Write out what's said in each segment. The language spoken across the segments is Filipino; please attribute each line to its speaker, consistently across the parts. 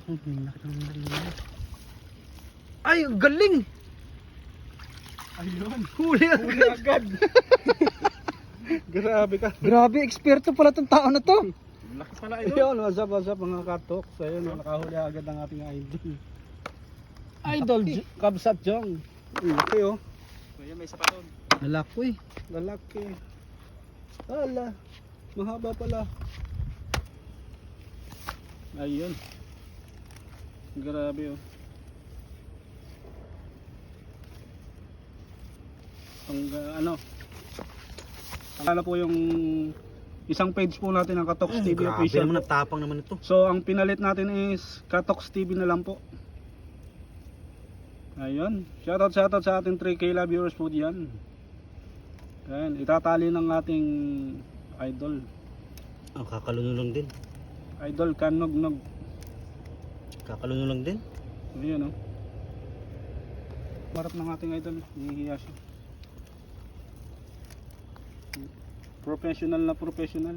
Speaker 1: Oh, may nakita. Ay, ang galing!
Speaker 2: Ayun.
Speaker 1: Huli
Speaker 2: Huli agad. Grabe ka.
Speaker 1: Grabe, eksperto pala tong tao na to.
Speaker 2: Laki pala ito. Ayun, what's up mga kartok. So ayun, nakahuli agad ang ating idol. Idol, Kabsat Jong. Laki oh. Kuya, may isa pa doon.
Speaker 1: Lalaki.
Speaker 2: Lalaki. Ala, mahaba pala. Ayun. Grabe oh. Ano po yung isang page po natin ng Katox TV
Speaker 1: Grabe
Speaker 2: official.
Speaker 1: naman, natapang naman ito.
Speaker 2: So ang pinalit natin is Katox TV na lang po. Ayun. Shoutout sa ating 3K love viewers po diyan. Ayun, itatali ng ating idol.
Speaker 1: Ang kakalunulong din.
Speaker 2: Idol Kanognog.
Speaker 1: Kakalunulong din.
Speaker 2: Ayun oh. Marap ng ating idol, hihiya siya. Professional na professional.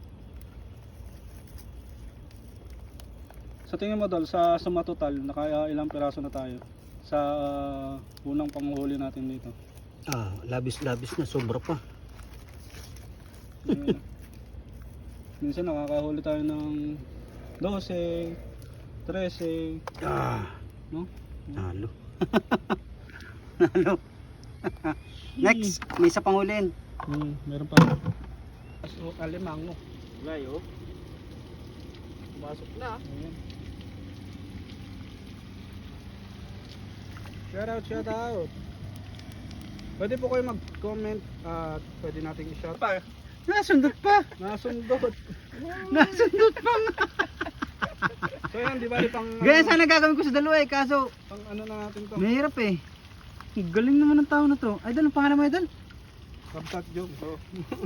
Speaker 2: Sa tingin mo Dol, sa suma total, naka ilang piraso na tayo sa unang panghuli natin dito?
Speaker 1: Labis na, sobra pa.
Speaker 2: Ayun. Minsan nakakahuli tayo ng 12, 13, no?
Speaker 1: Nalo. Nalo. Next, may isa pang hulin.
Speaker 2: Meron pa. So, alimango.
Speaker 1: Ngayon.
Speaker 2: Pasok na. Ayan. Shout out. Pwede po kayo mag-comment at pwede nating i-shout.
Speaker 1: Nasundot pa.
Speaker 2: Nasundot.
Speaker 1: Nasundot pa nga.
Speaker 2: So yan, di ba pang
Speaker 1: Ganyan sana gagawin ko sa dalawa eh, kaso
Speaker 2: pang ano na natin to?
Speaker 1: mahirap eh. Ang galing naman ng tao na to. Idol, ang pangalan mo Idol?
Speaker 2: Kabsat joke. So,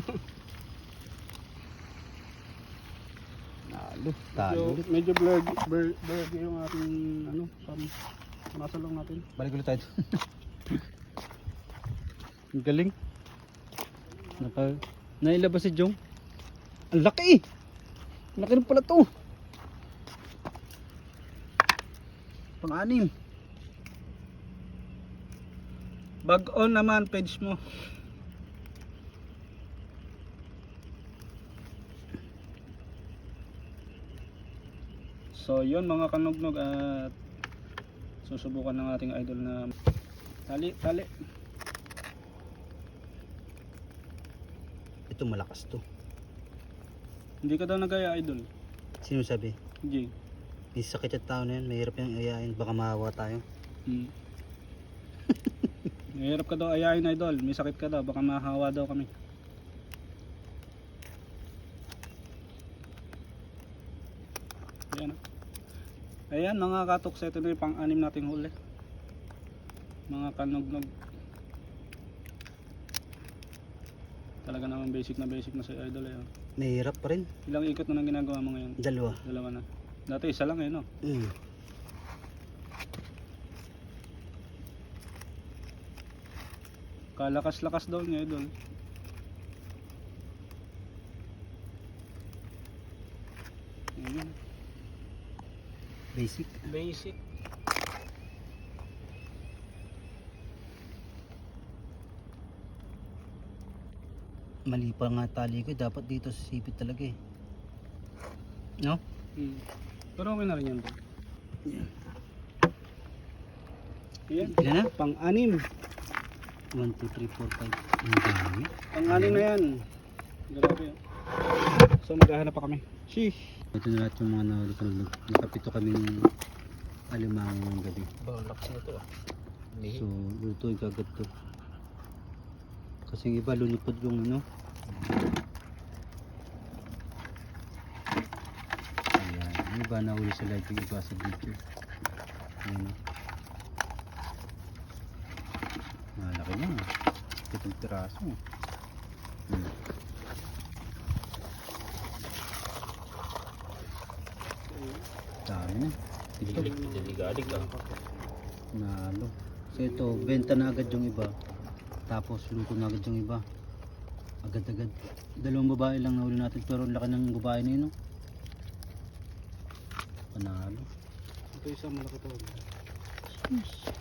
Speaker 2: medyo blurry yung ating ano, masalong natin.
Speaker 1: Balik ulit tayo. Ang galing. Nailabas si Jong. Ang laki eh. Ang laki rin pala to. Pang-anim.
Speaker 2: Bag on naman page mo. So yun mga kanugnog, at susubukan ng ating idol na tali.
Speaker 1: Ito malakas to.
Speaker 2: Hindi ka daw nagaya idol.
Speaker 1: Sino sabi?
Speaker 2: Jay.
Speaker 1: May sakit at tao na yan. Mahirap yung ayain. Baka mahawa tayo.
Speaker 2: Mahirap ka daw ayain idol. May sakit ka daw. Baka mahawa daw kami. Ayan. Ayan mga katoks. Ito na yung pang-anim nating huli. Mga kanugnog. Talaga naman basic na sa idol eh.
Speaker 1: Mahirap pa rin.
Speaker 2: Ilang ikot na nang ginagawa mo ngayon?
Speaker 1: Dalawa
Speaker 2: Na. Dati isa lang eh no? Kalakas-lakas daw niya idol. Ayun.
Speaker 1: Basic. Mali pa nga tali ko. Dapat dito sa sipit talaga eh. No?
Speaker 2: Pero okay na rin yan. Ayan.
Speaker 1: Ilan na?
Speaker 2: Pang-anim.
Speaker 1: 1, 2, 3, 4, 5. Ang dami.
Speaker 2: Pang-anim na yan. Grabe. So maghahanap pa kami. Sheesh.
Speaker 1: Ito na lahat yung mga nahuli ko. Nakapito kami ng alimango ng gabi.
Speaker 2: Balak na ito ah.
Speaker 1: So, lutuin kagad to. Kasi yung iba lunipod yung ano. Ayan. Yung iba nahuli sa live, yung iba sa video. Ayan o. Malaki na. Itong piraso. Dami na. Ito. Nalo. So ito, benta na agad yung iba. Tapos luto na agad yung iba. Agad-agad. Dalawang babae lang nahuli natin, pero laki ng babae na yun. No? Panalo.
Speaker 2: Ito isang malaki to.